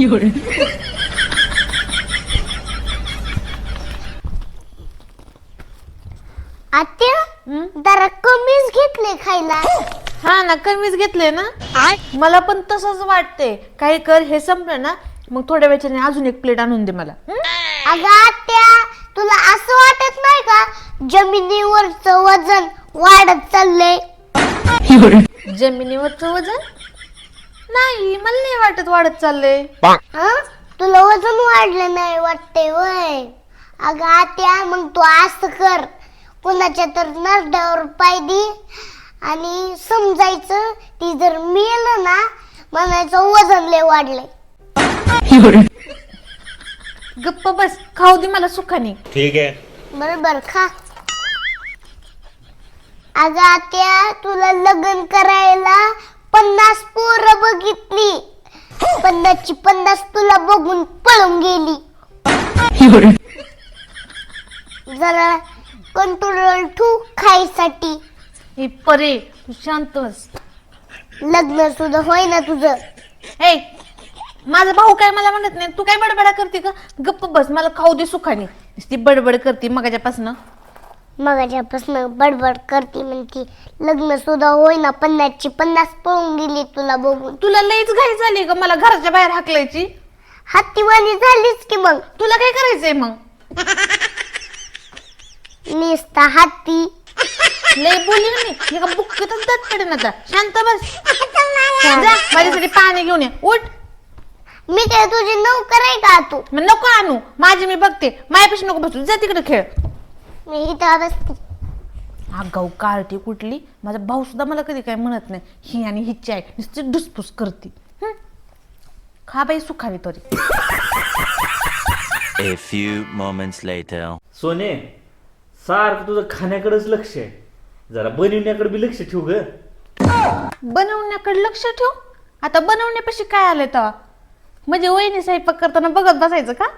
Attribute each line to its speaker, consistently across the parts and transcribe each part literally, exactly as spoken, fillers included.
Speaker 1: आत्या जरा कमीच घेतले खायला.
Speaker 2: हा ना, कमीच घेतले ना. मला पण तसंच वाटते. काही कर, हे संपलं ना मग थोड्या वेळाने अजून एक प्लेट आणून दे मला.
Speaker 1: अगं आत्या, तुला असं वाटत नाही का जमिनीवरचं वजन वाढत चाललंय?
Speaker 2: जमिनीवरचं वजन नाही, मला नाही वाटत वाढत चाललंय.
Speaker 1: हं? तुला वजन वाढलं नाही वाटते वय? अगं आत्या, मग तू असं कर, कुणाच्या तर नरड्यावर पाय दे आणि समजायचं ती जर मेलं ना, म्हणायचं वजन लय वाढलंय.
Speaker 2: गप्प बस, खाऊ दे मला सुखाने.
Speaker 3: ठीक आहे.
Speaker 1: बरोबर खा. अगं आत्या, तुला लग्न करायला पन्नास पोरं बघितली, पन्नासची पन्नास तुला बघून पळून गेली. जरा कंट्रोल ठेव खायसाठी.
Speaker 2: हे परे, तू शांत बस.
Speaker 1: लग्न सुद्धा होय ना तुझं.
Speaker 2: हे माझा भाऊ काय मला म्हणत नाही, तू काय बडबडा करते का? गप्प बस, मला खाऊ दे सुखाने. ती बडबड करते मगाच्यापासून.
Speaker 1: मगाच्यापासून बडबड करते म्हणती लग्न सुद्धा होय ना, पन्नासची पन्नास पळून गेली तुला बघून.
Speaker 2: तुला लईच घाई झाली का मला घराच्या बाहेर हाकलायची?
Speaker 1: हत्तीवाणी झालीच की मग.
Speaker 2: तुला काय करायचंय मग?
Speaker 1: निस्ता हत्ती.
Speaker 2: लई बोलली ना मी, एका बुक्कीतच दात पडेन आता. शांत बस. जा माझ्यासाठी पाणी घेऊन ये. उठ.
Speaker 1: मी काय तुझी नोकर आहे का तू?
Speaker 2: मग नको आणू, माझी मी बघते. मायापाशी नको बसू, जा तिकडे खेळ.
Speaker 1: मी इथं बसते.
Speaker 2: आगाऊ कार्टी कुठली. माझा भाऊ सुद्धा मला कधी काय म्हणत नाही. ही आणि हिची आहे नुसती डुसफुस करते. खा बाई सुखावी तरी.
Speaker 4: A few moments later.
Speaker 5: सोने, सारखं तुझं खाण्याकडेच लक्ष आहे, जरा बनवण्याकडे बी लक्ष ठेव ग.
Speaker 2: बनवण्याकडे लक्ष ठेव. आता बनवण्यापाशी काय आलंय तेव्हा? म्हणजे वहिनी स्वयंपाक करताना बघत बसायचं का?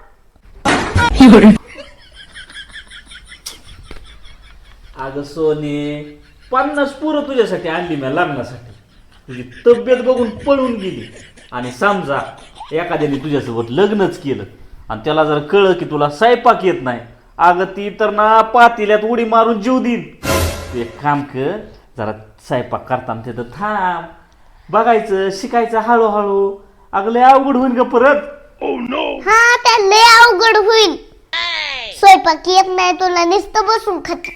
Speaker 5: अगं सोने, पन्नास पोरं तुझ्यासाठी आणली मी लग्नासाठी. तुझी तब्येत बघून पळून गेली आणि समजा एखाद्याने तुझ्यासोबत लग्नच केलं आणि त्याला जर कळलं की तुला स्वयंपाक येत नाही, अगं ती तर ना पातेल्यात उडी मारून जीव देईन. तू एक काम कर, जरा स्वयंपाक करताना तिथं थांब, बघायचं, शिकायचं हळूहळू. अगं लय अवघड होईल ग परत.
Speaker 1: हा, त्या लय अवघड होईल. स्वयंपाक येत नाही तुला, नुसतं बसून खात.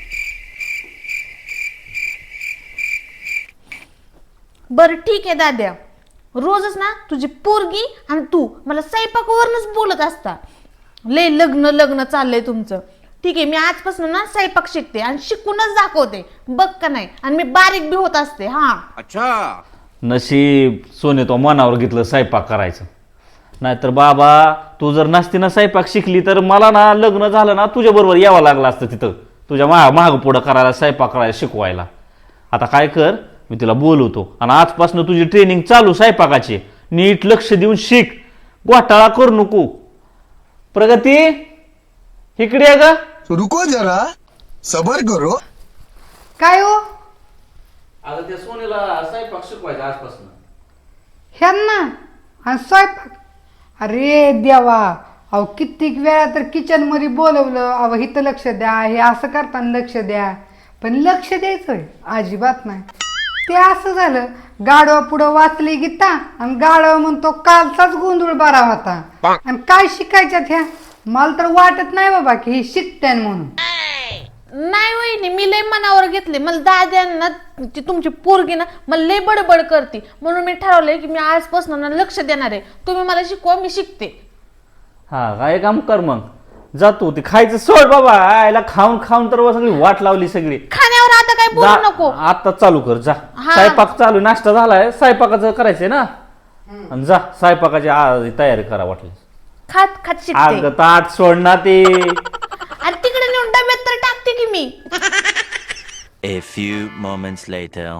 Speaker 2: बरं ठीक आहे दाद्या, रोजच ना तुझी पोरगी आणि तू मला स्वयंपाकावरूनच बोलत असता. लय लग्न लग्न चाललंय तुमचं. ठीक आहे, मी आजपासून ना स्वयंपाक शिकते आणि शिकूनच दाखवते, बघ का नाही. आणि मी बारीक बी होत असते. हा
Speaker 3: अच्छा.
Speaker 5: नशीब सोने तो मनावर घेतलं स्वयंपाक करायचं, नाहीतर बाबा तू जर नसती ना स्वयंपाक शिकली तर मला ना लग्न झालं ना तुझ्या बरोबर यावं लागलं असतं तिथं, तुझ्या मा माग पुढं करायला, स्वयंपाक करायला, शिकवायला. आता काय कर, मी तिला बोलवतो आणि आजपासून तुझी ट्रेनिंग चालू स्वयंपाकाची. नीट लक्ष देऊन शिक, घोटाळा करू नको. प्रगती, इकडे आहे का?
Speaker 6: रुको जरा, सबर करो.
Speaker 7: काय हो
Speaker 5: आता त्या सोनेला स्वयंपाक शिकवायचा आजपासून.
Speaker 7: ह्यांना आणि स्वयंपाक. अरे देवा, अहो कित्येक वेळा तर किचन मध्ये बोलवलं, अहो इथं लक्ष द्या, हे असं करताना लक्ष द्या, पण लक्ष द्यायचंय अजिबात नाही. ते असं झालं, गाडवा पुढं वाचली गीता आणि गाडवा म्हणतो कालचाच गोंधळ बारा होता. आणि काय शिकायच्यात ह्या? मला तर वाटत नाही बाबा की ही शिकत्यान म्हणून.
Speaker 2: नाही वहिनी, मी लय मनावर घेतले. मला दाद्यांना ती तुमची पोरगी ना मला लय बडबड करते, म्हणून मी ठरवलंय की मी आजपासून ना लक्ष देणार आहे. तुम्ही मला शिकवा, मी शिकते.
Speaker 5: हा, काय काम कर मग, जातो ते खायचं सोड बाबा. आयला खाऊन खाऊन तर सगळी वाट लावली सगळी.
Speaker 2: खाण्यावर आता काय बोलू
Speaker 5: जा,
Speaker 2: नको.
Speaker 5: आता चालू कर जा.
Speaker 2: हा.
Speaker 5: स्वयंपाक चालू, नाश्ता झालाय, स्वयंपाकाचं करायचंय ना. आणि जा स्वयंपाकाची आ- तयारी करा वाटली.
Speaker 2: खात खात शिकते.
Speaker 5: अगं ताट सोड ना ते.
Speaker 2: आणि तिकडे नेऊन डब्यात तर टाकते की मी.
Speaker 4: A few moments later.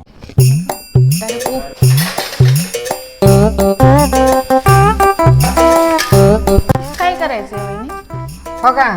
Speaker 2: काय करायचंय वहिनी?
Speaker 7: हो का?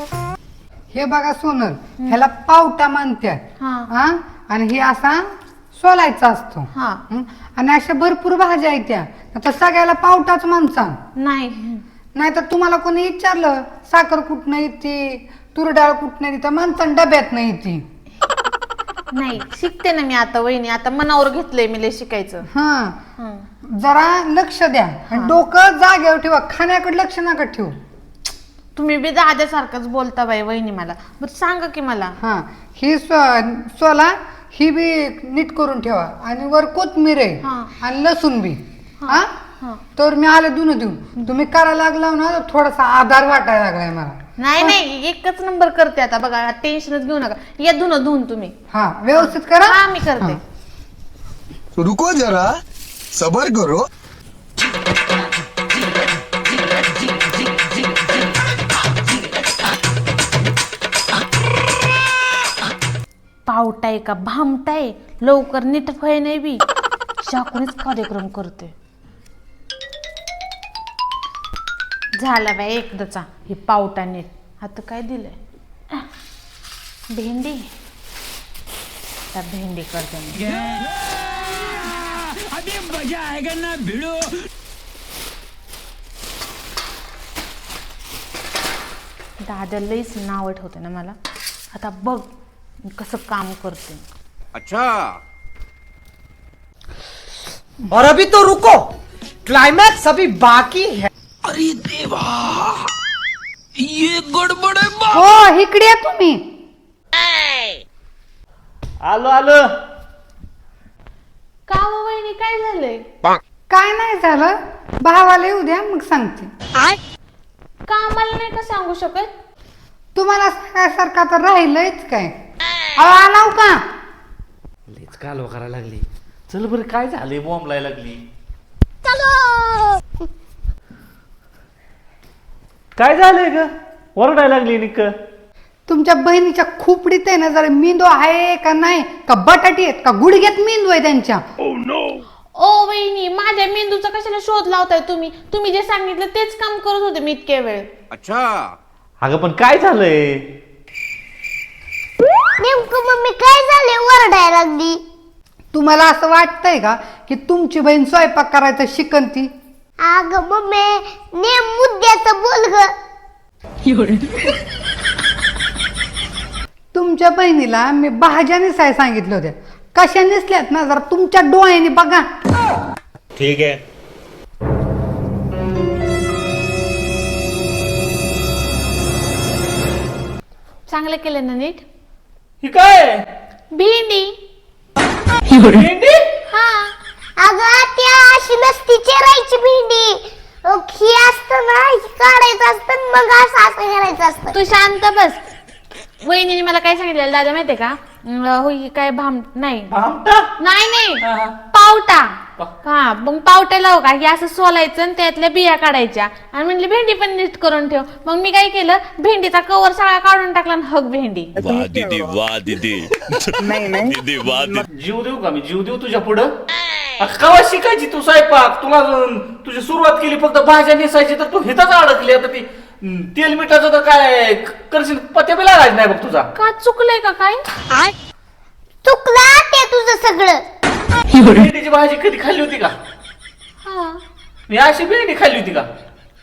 Speaker 7: हे बघा सोनल, ह्याला पावटा म्हणतात.
Speaker 2: हा.
Speaker 7: हा, आणि हे असा सोलायचा असतो.
Speaker 2: हा
Speaker 7: हं? आणि अशा भरपूर भाज्या आहेत त्या आता सगळ्याला पावटाच माणसा.
Speaker 2: नाही
Speaker 7: नाही तर तुम्हाला कोणी विचारलं साखर कुठनं येते तूर डाळ कुठनं येते तर माणसानं डब्यात नाही येते.
Speaker 2: नाही शिकते ना मी आता वहिनी, आता मनावर घेतलंय मी लय शिकायचं.
Speaker 7: हा
Speaker 2: हं.
Speaker 7: जरा लक्ष द्या आणि डोकं जागेवर ठेवा, खाण्याकडे लक्ष नका ठेवू.
Speaker 2: तुम्ही बी दाद्यासारखंच बोलता बाई वहिनी मला. बरं सांगा की मला.
Speaker 7: हा ही स्व- सोला ही बी नीट करून ठेवा आणि वर कोथमीर आहे
Speaker 2: हा.
Speaker 7: आणि लसूण बी. हा
Speaker 2: हा.
Speaker 7: तर मी आले धुणं देऊन तुम्ही करायला लागला ना तर थोडासा आधार वाटायला लागलाय मला.
Speaker 2: नाही नाही एकच नंबर करते आता बघा, टेन्शनच घेऊ नका. या धुणं धुवून तुम्ही.
Speaker 7: हा व्यवस्थित करा.
Speaker 2: हा मी करते.
Speaker 6: रुको जरा सबर करो.
Speaker 2: पावटाय का भामटाय लवकर नीट व्हाय नाही बी, शाकूनच कार्यक्रम करते. झाला बाई एकदाचा हे पावटा नीट. आता काय दिलंय भेंडी, आता भेंडी करते मी. दादा लईच नाव ठेवते ना मला. आता बघ मी कसं काम करते.
Speaker 3: और अभी तो रुको, क्लाइमैक्स अभी बाकी है.
Speaker 7: हो इकडे या तुम्ही.
Speaker 5: आलो आलो.
Speaker 2: का हो वहिनी काय झालंय?
Speaker 7: काय नाही झालं, भावाला येऊ द्या मग सांगते.
Speaker 2: का आम्हाला नाही का सांगू शकत?
Speaker 7: तुम्हाला सांगायसारखं तर राहिलंच काय. अहो, आलाव का.
Speaker 5: लेच कालवा करायला लागली. चल बरं काय झालंय, बॉम्ब लायला लागली. काय झालंय ग, ओरडायला लागली निक.
Speaker 7: तुमच्या बहिणीच्या खोपडीत आहे ना जरा मेंदू आहे का नाही, का बटाटी आहेत का गुडघ्यात मेंदू आहे त्यांच्या.
Speaker 2: ओ वहिनी माझ्या मेंदूचा कशाला शोध लावताय तुम्ही? तुम्ही जे सांगितलं तेच काम करत होते मी इतक्या वेळ.
Speaker 5: अगं पण काय झालंय?
Speaker 1: नेमकं मम्मी काय झाले ओरडायला लागली?
Speaker 7: तुम्हाला असं वाटतंय का की तुमची बहीण स्वयंपाक करायचं शिकन ती?
Speaker 1: अगं मम्मी नेम मुद्द्याचं बोल ग.
Speaker 7: तुमच्या बहिणीला मी भाज्या नेसाय सांगितलं होत्या, कशा नेसल्यात ना जरा तुमच्या डोळ्याने बघा.
Speaker 8: ठीक है.
Speaker 2: चांगलं केलं ना नीट.
Speaker 5: ही काय
Speaker 2: भेंडी.
Speaker 5: भेंडी?
Speaker 2: हा
Speaker 1: अगं त्या अशी नसती चिरायची भेंडी. अं, ही असतं ना, ही काढायचं असतं मग असं असं करायचं असतं.
Speaker 2: तू शांत बस. वहिनीने मला काय सांगितलं दादा माहितीये का? अं, होय काय भाम नाही
Speaker 5: भामटा?
Speaker 2: नाही नाही
Speaker 5: हा, हा.
Speaker 2: पावटा. हा मग पावटा लाव का हे असं सोलायचं आणि त्यातल्या बिया काढायच्या आणि म्हणली भेंडी पण नीट करून ठेव. मग मी काय केलं, भेंडीचा कवर सगळा काढून टाकला आणि हग भेंडी.
Speaker 4: वाह दीदी वाह दीदी. दीदी वाह दीदी.
Speaker 5: जीव देऊ का मी, जीव देऊ तुझ्या पुढं? अगं, केव्हा शिकायची तू स्वयंपाक? तुला अं, तुझी सुरुवात केली फक्त भाज्या नेसायची तर तू हिथंच अडकली. आता ती अं, तेल मिठाचं तर काय क- करशील, पत्या बी लागायचं नाही बघ तुझा.
Speaker 2: का चुकलंय का काय?
Speaker 1: चुकला ते तुझं सगळं.
Speaker 5: भेंडीची भाजी कधी खाल्ली होती का?
Speaker 2: हा
Speaker 5: मी अशी भेंडी खाल्ली होती का?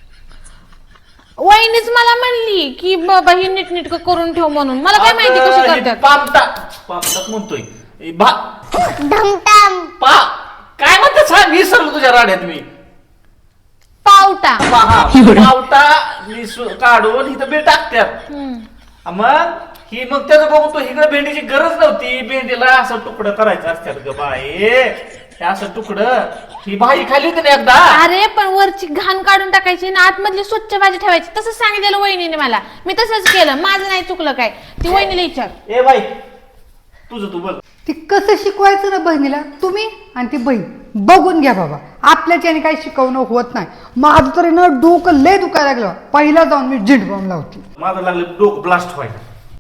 Speaker 2: वहिनीच मला म्हणली की बाबा ही नीट नीट करून ठेव म्हणून. मला काय माहिती कशी
Speaker 5: अगं, ही
Speaker 2: करतात.
Speaker 5: पामटा पामटाच म्हणतोय. ही भा
Speaker 1: ढमटाम.
Speaker 5: पा काय म्हणतात सांग, विसरलो तुझ्या राड्यात मी.
Speaker 2: पावटा.
Speaker 5: पहा पावटा निसू- काढून इथं बी टाकत्यात.
Speaker 2: हम्म.
Speaker 5: मग ही मग त्याचं बघून तो इकडे भेंडीची गरज नव्हती. भेंडीला असं तुकडं करायचं असतात ग बाई, हे असं तुकडं. ही भाजी खाल्ली होती ना एकदा.
Speaker 2: अरे पण वरची घाण काढून टाकायची आणि आतमधली स्वच्छ भाजी ठेवायची. तसं सांगितलेलं वहिनीने मला. मी तसंच केलं. माझं नाही चुकलं काय. ती वहिनीला विचार.
Speaker 5: ए बाई तुझं तू बघ.
Speaker 7: ती कसं शिकवायचं ना बहिणीला तुम्ही आणि ती बहीण बघून घ्या बाबा. आपल्याच्याने काही शिकवणं होत नाही. माझं तरी ना डोकं लय दुखायला लागलं. पहिला जाऊन मी झिंड बॉम्ब लावते.
Speaker 5: माझं लागलं डोकं ब्लास्ट व्हायला.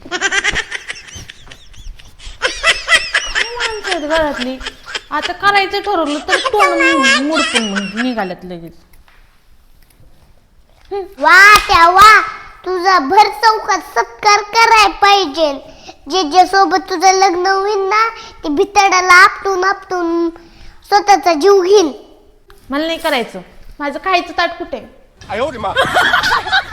Speaker 2: माणसं आहेत घरातली. आता करायचं ठरवलं तर तोंड मुडपून निघाल्यात लगेच.
Speaker 1: वा त्या वा तुझा भर चौकात सत्कार कराय पाहिजे. जे जे सोबत तुझं लग्न होईल ना ते भितडाला आपटून आपटून स्वतःचा जीव घेईन.
Speaker 2: मला नाही करायचं. माझं खायचं ताट कुठे?